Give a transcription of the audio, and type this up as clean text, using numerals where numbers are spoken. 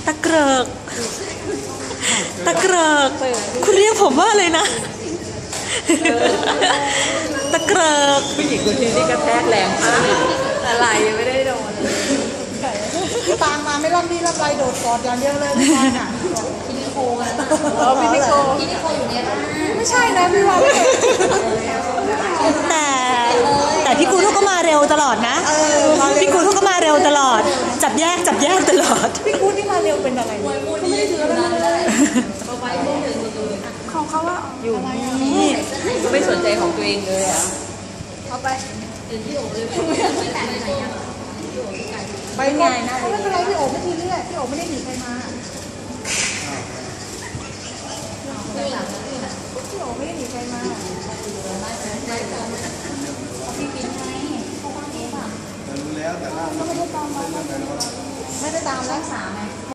ตะเกริกตะเกริกคุณเรียกผมว่าอะไรนะตะเกริกผู้หญิงคนนี้นี่กระแทกแรงมากอะไรยังไม่ได้โดนตางมาไม่รับดีรับไรโดดกอดอย่างเดียวเลยพี่วานอ่ะพี่นิโคนะพี่นิโคอยู่เนี่ยไม่ใช่นะพี่วานแต่พี่กูทุกก็มาเร็วตลอดนะพี่กูทุกก็มาเร็วตลอดจับแยกตลอดพี่กูที่มาเร็วเป็นอะไรเขาไม่ได้ถืออะไรเลยของเขาว่าอยู่นี่ก็ไม่สนใจของตัวเองเลยอ่ะเอาไปไปไงนะไม่เป็นไรพี่โอ๋ไม่ทีเรื่อยพี่โอ๋ไม่ได้หนีใครมาพี่โอ๋ไม่ได้หนีใครมาพี่ปิ๊งไงเขาบ้านเองอ่ะรู้แล้วแต่ล่าไม่ได้ตามแล้วรักษาไง